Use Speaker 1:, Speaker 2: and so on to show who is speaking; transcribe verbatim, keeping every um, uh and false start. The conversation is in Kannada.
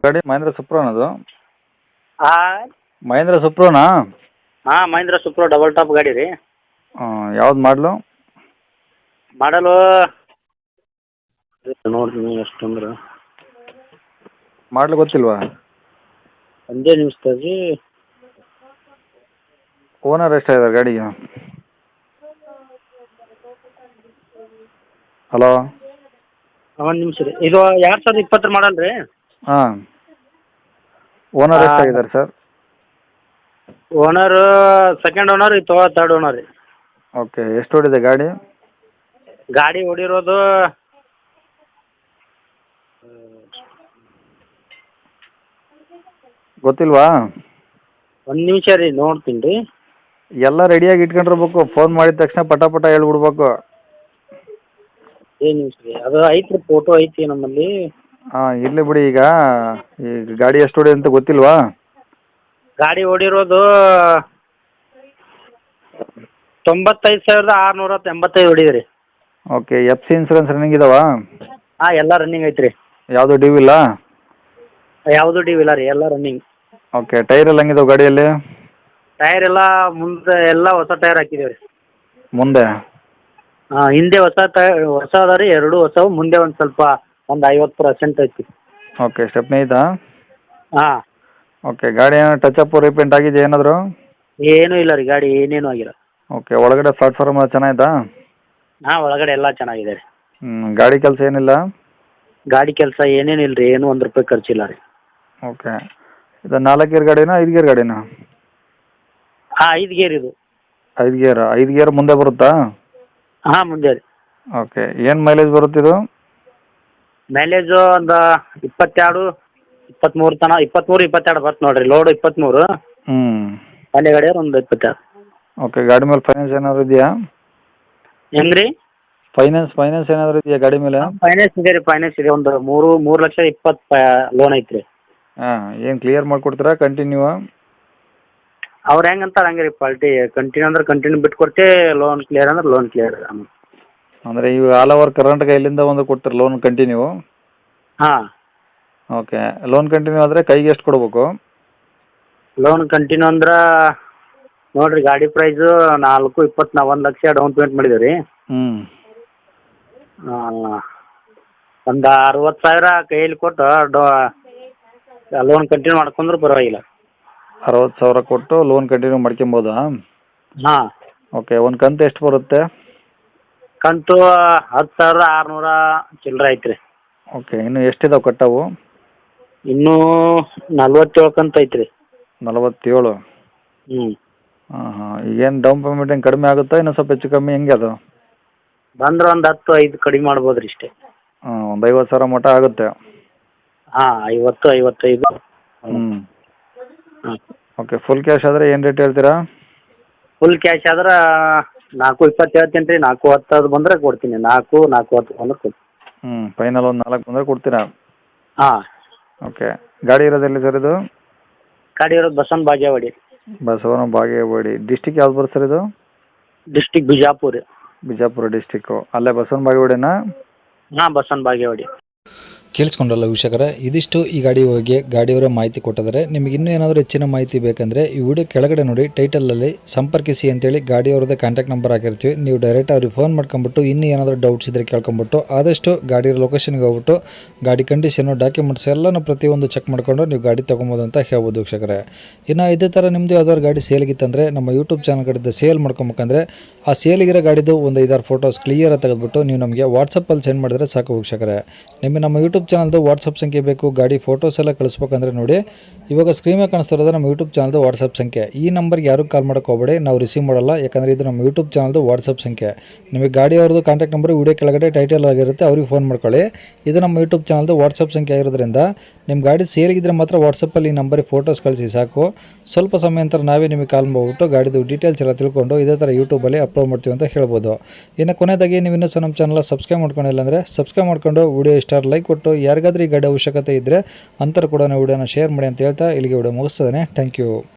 Speaker 1: ಗಾಡಿ ಮಹೇಂದ್ರ ಸುಪ್ರೋನದು.
Speaker 2: ಹಾಂ
Speaker 1: ಮಹೇಂದ್ರ ಸುಪ್ರೋನಾ?
Speaker 2: ಹಾಂ ಮಹೇಂದ್ರ ಸುಪ್ರೋ ಡಬಲ್ ಟಾಪ್ ಗಾಡಿ ರೀ.
Speaker 1: ಯಾವ್ದು ಮಾಡಲು?
Speaker 2: ಮಾಡಲು ನೋಡ್ತೀನಿ ಎಷ್ಟು ಅಂದ್ರೆ
Speaker 1: ಮಾಡಲು ಗೊತ್ತಿಲ್ವಾ?
Speaker 2: ಒಂದೇ ನಿಮಿಷ ರೀ.
Speaker 1: ಓನರ್ ಎಷ್ಟಾಗಿದ್ದಾರೆ ಗಾಡಿಗೆ? ಹಲೋ,
Speaker 2: ಒಂದು ನಿಮಿಷ ರೀ. ಇದು ಎರಡು ಸಾವಿರದ ಇಪ್ಪತ್ತರ ಮಾಡಲ್ ರೀ.
Speaker 1: ಹಾಂ, ಓನರ್ ಎಷ್ಟಾಗಿದ್ದಾರೆ ಸರ್?
Speaker 2: ಓನರ್ ಸೆಕೆಂಡ್ ಓನರ್, ಇದು ತರ್ಡ್ ಓನರ್ ರೀ.
Speaker 1: ಓಕೆ, ಎಷ್ಟು ಓಡಿದೆ ಗಾಡಿ?
Speaker 2: ಗಾಡಿ ಹೊಡಿರೋದು
Speaker 1: ಗೊತ್ತಿಲ್ವಾ?
Speaker 2: ಒಂದು ನಿಮಿಷ ರೀ, ನೋಡ್ತೀನಿ ರೀ.
Speaker 1: ಎಲ್ಲ ರೆಡಿಯಾಗಿ ಇಟ್ಕೊಂಡಿರ್ಬೇಕು, ಫೋನ್ ಮಾಡಿದ ತಕ್ಷಣ ಪಟ ಪಟ ಹೇಳ್ಬಿಡ್ಬೇಕು.
Speaker 2: ಏನು ನಿಮಿಷ ರೀ, ಅದು ಐತ್ರಿ, ಫೋಟೋ ಐತಿ ನಮ್ಮಲ್ಲಿ.
Speaker 1: ಹಾಂ, ಇರಲಿ ಬಿಡಿ. ಈಗ ಈಗ ಗಾಡಿ ಎಷ್ಟು ಹೊಡಿ ಅಂತ ಗೊತ್ತಿಲ್ವಾ?
Speaker 2: ಗಾಡಿ ಹೊಡಿರೋದು ತೊಂಬತ್ತೈದು ಸಾವಿರದ ಆರುನೂರ ಎಂಬತ್ತೈದು ಹೊಡಿದ್ರಿ.
Speaker 1: Okay, F C insurance running ಇದಾವಾ?
Speaker 2: ಹಾಂ, ಎಲ್ಲ ರನ್ನಿಂಗ್ ಐತ್ರಿ.
Speaker 1: ಯಾವುದು ಡ್ಯೂ ಇಲ್ಲ?
Speaker 2: ಯಾವುದು ಡ್ಯೂ ಇಲ್ಲ ರೀ, ಎಲ್ಲ ರನ್ನಿಂಗ್.
Speaker 1: ಓಕೆ, ಟೈರ್ ಎಲ್ಲ ಹೆಂಗಿದಾವೆ ಗಾಡಿಯಲ್ಲಿ?
Speaker 2: ಟೈರ್ ಎಲ್ಲ ಮುಂದೆ ಎಲ್ಲ ಹೊಸ ಟೈರ್ ಹಾಕಿದ್ದೀವಿ ರೀ.
Speaker 1: ಮುಂದೆ?
Speaker 2: ಹಾಂ, ಹಿಂದೆ ಹೊಸ ಟೈರ್ ಹೊಸ ಅದ ರೀ, ಎರಡು ಹೊಸವು. ಮುಂದೆ ಒಂದು ಸ್ವಲ್ಪ ಒಂದು ಐವತ್ತು ಪರ್ಸೆಂಟ್ ಐತಿ.
Speaker 1: ಓಕೆ, ಸ್ಟೆಪ್ನಿ ಐತಾ?
Speaker 2: ಹಾಂ.
Speaker 1: ಓಕೆ, ಗಾಡಿ ಏನೋ ಟಚ್ ಅಪ್ ರೀಪೇಂಟ್ ಆಗಿದೆ ಏನಾದರೂ?
Speaker 2: ಏನೂ ಇಲ್ಲ ರೀ, ಗಾಡಿ ಏನೇನು ಆಗಿಲ್ಲ.
Speaker 1: ಓಕೆ, ಒಳಗಡೆ ಪ್ಲಾಟ್ಫಾರ್ಮ್ ಎಲ್ಲ ಚೆನ್ನಾಗಿತ್ತಾ?
Speaker 2: ಹಾಂ, ಒಳಗಡೆ ಎಲ್ಲ ಚೆನ್ನಾಗಿದೆ ರೀ.
Speaker 1: ಹ್ಞೂ, ಗಾಡಿ ಕೆಲಸ ಏನಿಲ್ಲ?
Speaker 2: ಗಾಡಿ ಕೆಲಸ ಏನೇನು ಇಲ್ಲ ರೀ, ಏನೂ ಒಂದು ರೂಪಾಯಿ ಖರ್ಚಿಲ್ಲ ರೀ.
Speaker 1: ಓಕೆ, ಇದು ನಾಲ್ಕು ಗೇರ್ ಗಾಡಿನಾ ಐದು ಗೇರ್ ಗಾಡಿನಾ?
Speaker 2: ಹಾಂ, ಐದು ಗೇರ್ ಇದು.
Speaker 1: ಐದು ಗೇರ್ ಐದು ಗೇರ್ ಮುಂದೆ ಬರುತ್ತಾ?
Speaker 2: ಹಾಂ, ಮುಂದೆ ರೀ.
Speaker 1: ಓಕೆ, ಏನು ಮೈಲೇಜ್ ಬರುತ್ತಿದು?
Speaker 2: ಮೈಲೇಜು ಒಂದು ಇಪ್ಪತ್ತೆರಡು ಇಪ್ಪತ್ತ್ಮೂರು ತನಕ, ಇಪ್ಪತ್ತ್ಮೂರು ಇಪ್ಪತ್ತೆರಡು ಬರುತ್ತೆ ನೋಡಿರಿ. ಲೋಡು ಇಪ್ಪತ್ತ್ಮೂರು,
Speaker 1: ಹ್ಞೂ,
Speaker 2: ಅಲ್ಲಿ ಗಾಡಿ ಒಂದು ಇಪ್ಪತ್ತೆರಡು.
Speaker 1: ಓಕೆ, ಗಾಡಿ ಮೇಲೆ ಫೈನಾನ್ಸ್ ಏನಾದರೂ ಇದೆಯಾ?
Speaker 2: ಹೆಂಗೆ ರೀ?
Speaker 1: ಫೈನಾನ್ಸ್ ಫೈನಾನ್ಸ್ ಏನಾದರೂ ಇದೆಯಾ ಗಾಡಿ ಮೇಲೆ?
Speaker 2: ಫೈನಾನ್ಸ್ ಇದೆ ರೀ, ಫೈನಾನ್ಸ್ ಇದೆ. ಒಂದು ಮೂರು ಮೂರು ಲಕ್ಷ ಇಪ್ಪತ್ತು ಲೋನ್ ಐತ್ರಿ.
Speaker 1: ಹಾಂ, ಏನು ಕ್ಲಿಯರ್ ಮಾಡಿಕೊಡ್ತೀರಾ ಕಂಟಿನ್ಯೂ?
Speaker 2: ಅವ್ರು ಹೆಂಗೆ ಅಂತಾರೆ ಹಂಗೆ ರೀ. ಪಾಲ್ಟಿ ಕಂಟಿನ್ಯೂ ಅಂದ್ರೆ ಕಂಟಿನ್ಯೂ ಬಿಟ್ಟು ಕೊಡ್ತೀವಿ, ಲೋನ್ ಕ್ಲಿಯರ್ ಅಂದ್ರೆ ಲೋನ್ ಕ್ಲಿಯರ್.
Speaker 1: ಅಂದರೆ ಇವು ಆಲ್ ಓವರ್ ಕರ್ನಾಟಕ ಎಲ್ಲಿಂದ ಒಂದು ಕೊಡ್ತಾರೆ ಲೋನ್ ಕಂಟಿನ್ಯೂ?
Speaker 2: ಹಾಂ.
Speaker 1: ಓಕೆ, ಲೋನ್ ಕಂಟಿನ್ಯೂ ಆದರೆ ಕೈಗೆ ಎಷ್ಟು ಕೊಡಬೇಕು?
Speaker 2: ಲೋನ್ ಕಂಟಿನ್ಯೂ ಅಂದ್ರೆ ನೋಡಿರಿ, ಗಾಡಿ ಪ್ರೈಸು ನಾಲ್ಕು ಇಪ್ಪತ್ತು, ನಾವು ಒಂದು ಲಕ್ಷ ಡೌನ್ ಪೇಮೆಂಟ್ ಮಾಡಿದ್ದೀವಿ ರೀ.
Speaker 1: ಹ್ಞೂ,
Speaker 2: ಒಂದು ಅರವತ್ತು ಸಾವಿರ ಕೈಯಲ್ಲಿ ಕೊಟ್ಟು ಡೋ ಲೋನ್ ಕಂಟಿನ್ಯೂ ಮಾಡ್ಕೊಂಡ್ರೆ ಪರವಾಗಿಲ್ಲ.
Speaker 1: ಅರವತ್ತು ಸಾವಿರ ಕೊಟ್ಟು ಲೋನ್ ಕಂಟಿನ್ಯೂ ಮಾಡ್ಕೊಬೋದಾ?
Speaker 2: ಹಾಂ.
Speaker 1: ಓಕೆ, ಒಂದು ಕಂತು ಎಷ್ಟು ಬರುತ್ತೆ?
Speaker 2: ಕಂತು ಹತ್ತು ಸಾವಿರದ ಆರುನೂರ ಚಿಲ್ಲರೆ ಐತ್ರಿ.
Speaker 1: ಓಕೆ, ಇನ್ನು ಎಷ್ಟಿದಾವೆ ಕಟ್ಟವು?
Speaker 2: ಇನ್ನೂ ನಲ್ವತ್ತೇಳು ಕಂತು ಐತ್ರಿ.
Speaker 1: ನಲವತ್ತೇಳು?
Speaker 2: ಹ್ಞೂ.
Speaker 1: ಹಾಂ ಹಾಂ, ಈಗೇನು ಡೌನ್ ಪೇಮೆಂಟ್ ಏನು ಕಡಿಮೆ ಆಗುತ್ತಾ ಇನ್ನೂ ಸ್ವಲ್ಪ ಹೆಚ್ಚು ಕಮ್ಮಿ ಹೆಂಗೆ ಅದು?
Speaker 2: ಬಂದ್ರೆ ಒಂದು ಹತ್ತು ಐದು ಕಡಿಮೆ ಮಾಡ್ಬೋದು ರೀ ಇಷ್ಟೇ.
Speaker 1: ಹಾಂ, ಒಂದು ಐವತ್ತು ಸಾವಿರ ಮಟ್ಟ ಆಗುತ್ತೆ?
Speaker 2: ಹಾಂ, ಐವತ್ತು ಐವತ್ತೈದು.
Speaker 1: ಹ್ಞೂ.
Speaker 2: ಹಾಂ.
Speaker 1: ಓಕೆ, ಫುಲ್ ಕ್ಯಾಶ್ ಆದರೆ ಏನು ರೇಟ್ ಹೇಳ್ತೀರಾ?
Speaker 2: ಫುಲ್ ಕ್ಯಾಶ್ ಆದ್ರೆ ನಾಲ್ಕು ಇಪ್ಪತ್ತು ಹೇಳ್ತೀನಿ ರೀ. ನಾಲ್ಕು ಹತ್ತು ಬಂದರೆ ಕೊಡ್ತೀನಿ. ನಾಲ್ಕು ನಾಲ್ಕು ಹತ್ತು ಬಂದ್ರೆ ಕೊಡ್ತೀನಿ.
Speaker 1: ಹ್ಞೂ, ಫೈನಲ್ ಒಂದು ನಾಲ್ಕು ಬಂದರೆ ಕೊಡ್ತೀರಾ?
Speaker 2: ಹಾಂ.
Speaker 1: ಓಕೆ, ಗಾಡಿ ಇರೋದೆಲ್ಲಿ ಸರ್ ಇದು?
Speaker 2: ಗಾಡಿ ಇರೋದು ಬಸವನ ಬಾಗೇವಾಡಿ.
Speaker 1: ಬಸವನ ಬಾಗೇವಾಡಿ. ಡಿಸ್ಟಿಕ್ ಯಾವ್ದು ಬರುತ್ತೆ ಸರ್ ಇದು?
Speaker 2: ಡಿಸ್ಟಿಕ್ ಬಿಜಾಪುರ.
Speaker 1: ಬಿಜಾಪುರ ಡಿಸ್ಟಿಕ್ಕು. ಅಲ್ಲೇ ಬಸವನ ಬಾಗೇವಾಡಿನಾ?
Speaker 2: ಹಾಂ, ಬಸವನ ಬಾಗೇವಾಡಿ.
Speaker 3: ಕೇಳಿಸ್ಕೊಂಡಲ್ಲ ವೀಕ್ಷಕರೇ, ಇದಿಷ್ಟು ಈ ಗಾಡಿ ಬಗ್ಗೆ ಗಾಡಿಯವರ ಮಾಹಿತಿ ಕೊಟ್ಟಿದ್ದಾರೆ. ನಿಮಗೆ ಇನ್ನೂ ಏನಾದರೂ ಹೆಚ್ಚಿನ ಮಾಹಿತಿ ಬೇಕಂದರೆ ಈ ವಿಡಿಯೋ ಕೆಳಗಡೆ ನೋಡಿ, ಟೈಟಲಲ್ಲಿ ಸಂಪರ್ಕಿಸಿ ಅಂತೇಳಿ ಗಾಡಿಯವ್ರದ್ದೇ ಕಾಂಟ್ಯಾಕ್ಟ್ ನಂಬರ್ ಹಾಕಿರ್ತೀವಿ. ನೀವು ಡೈರೆಕ್ಟ್ ಅವ್ರಿಗೆ ಫೋನ್ ಮಾಡ್ಕೊಂಬಿಟ್ಟು ಇನ್ನೂ ಏನಾದರೂ ಡೌಟ್ಸ್ ಇದ್ದರೆ ಕೇಳ್ಕೊಂಬಿಟ್ಟು ಆದಷ್ಟು ಗಾಡಿಯ ಲೊಕೇಶನ್ಗೆ ಹೋಗ್ಬಿಟ್ಟು ಗಾಡಿ ಕಂಡೀಷನು, ಡಾಕ್ಯುಮೆಂಟ್ಸ್ ಎಲ್ಲನೂ ಪ್ರತಿಯೊಂದು ಚೆಕ್ ಮಾಡಿಕೊಂಡು ನೀವು ಗಾಡಿ ತೊಗೊಬೋದು ಅಂತ ಹೇಳ್ಬೋದು ವೀಕ್ಷಕರೇ. ಇನ್ನು ಇದೇ ಥರ ನಿಮ್ಮದು ಯಾವ್ದಾದ್ರು ಗಾಡಿ ಸೇಲಿಗಿತ್ತಂದರೆ ನಮ್ಮ ಯೂಟ್ಯೂಬ್ ಚಾನಲ್ ಕಡೆದು ಸೇಲ್ ಮಾಡ್ಕೊಬೇಕಂದ್ರೆ ಆ ಸೇಲಿಗಿರೋ ಗಾಡಿದು ಒಂದು ಐದಾರು ಫೋಟೋಸ್ ಕ್ಲಿಯರಾಗಿ ತೆಗೆದುಬಿಟ್ಟು ನೀವು ನಮಗೆ ವಾಟ್ಸಪ್ಪಲ್ಲಿ ಸೆಂಡ್ ಮಾಡಿದ್ರೆ ಸಾಕು ವೀಕ್ಷಕರೇ. ನಿಮಗೆ ನಮ್ಮ ಯೂಟ್ಯೂಬ್ ಚಾನಲ್ದು ವಾಟ್ಸಪ್ ಸಂಖ್ಯೆ ಬೇಕು, ಗಾಡಿ ಫೋಟೋಸ್ ಎಲ್ಲ ಕಳಿಸ್ಬೇಕಂದ್ರೆ ನೋಡಿ ಇವಾಗ ಸ್ಕ್ರೀನ್ ಮೇಲೆ ಕಾಣಿಸ್ತಿರೋದು ನಮ್ಮ ಯೂಟ್ಯೂಬ್ ಚಾನಲ್ದು ವಾಟ್ಸಪ್ ಸಂಖ್ಯೆ. ಈ ನಂಬರ್ಗೆ ಯಾರು ಕಾಲ್ ಮಾಡೋಕೆ ಹೋಗಬೇಡಿ, ನಾವು ರಿಸೀವ್ ಮಾಡಲ್ಲ. ಯಾಕಂದರೆ ಇದು ನಮ್ಮ ಯೂಟ್ಯೂಬ್ ಚಾನಲ್ದು ವಾಟ್ಸಪ್ ಸಂಖ್ಯೆ. ನಿಮಗೆ ಗಾಡಿಯವ್ರದ್ದು ಕಾಂಟ್ಯಾಕ್ಟ್ ನಂಬರ್ ವಿಡಿಯೋ ಕೆಳಗಡೆ ಟೈಟಲ್ ಆಗಿರುತ್ತೆ, ಅವ್ರಿಗೆ ಫೋನ್ ಮಾಡ್ಕೊಳ್ಳಿ. ಇದು ನಮ್ಮ ಯೂಟ್ಯೂಬ್ ಚಾನಲ್ದು ವಾಟ್ಸಪ್ ಸಂಖ್ಯೆ ಆಗಿರೋದ್ರಿಂದ ನಿಮ್ಮ ಗಾಡಿ ಸೇರಿಗಿದ್ರೆ ಮಾತ್ರ ವಾಟ್ಸಪ್ಪಲ್ಲಿ ಈ ನಂಬರಿಗೆ ಫೋಟೋಸ್ ಕಳಿಸಿ ಸಾಕು. ಸ್ವಲ್ಪ ಸಮಯ ನಂತರ ನಾವೇ ನಿಮಗೆ ಕಾಲ್ ಮಾಡಿಬಿಟ್ಟು ಗಾಡಿದು ಡೀಟೇಲ್ಸ್ ಎಲ್ಲ ತಿಳ್ಕೊಂಡು ಇದೇ ಥರ ಯೂಟ್ಯೂಬಲ್ಲಿ ಅಪ್ಲೋಡ್ ಮಾಡ್ತೀವಿ ಅಂತ ಹೇಳ್ಬೋದು. ಇನ್ನು ಕೊನೆಯದಾಗಿ ನೀವು ಇನ್ನೂ ಸಹ ನಮ್ಮ ಚಾನಲ್ ಸಬ್ಸ್ಕ್ರೈಬ್ ಮಾಡ್ಕೊಂಡಿಲ್ಲ ಅಂದರೆ ಸಬ್ಸ್ಕ್ರೈಬ್ ಮಾಡ್ಕೊಂಡು ವಿಡಿಯೋ ಇಷ್ಟ ಲೈಕ್ ಕೊಟ್ಟು ಯಾರಿಗಾದ್ರೂ ಈ ಗಾಡಿ ಅವಶ್ಯಕತೆ ಇದ್ದರೆ ಅಂತರ ಕೂಡ ವಿಡಿಯೋನ ಶೇರ್ ಮಾಡಿ ಅಂತ ಹೇಳ್ತಾ ಇಲ್ಲಿಗೆ ವಿಡಿಯೋ ಮುಗಿಸ್ತದೆ. Thank you.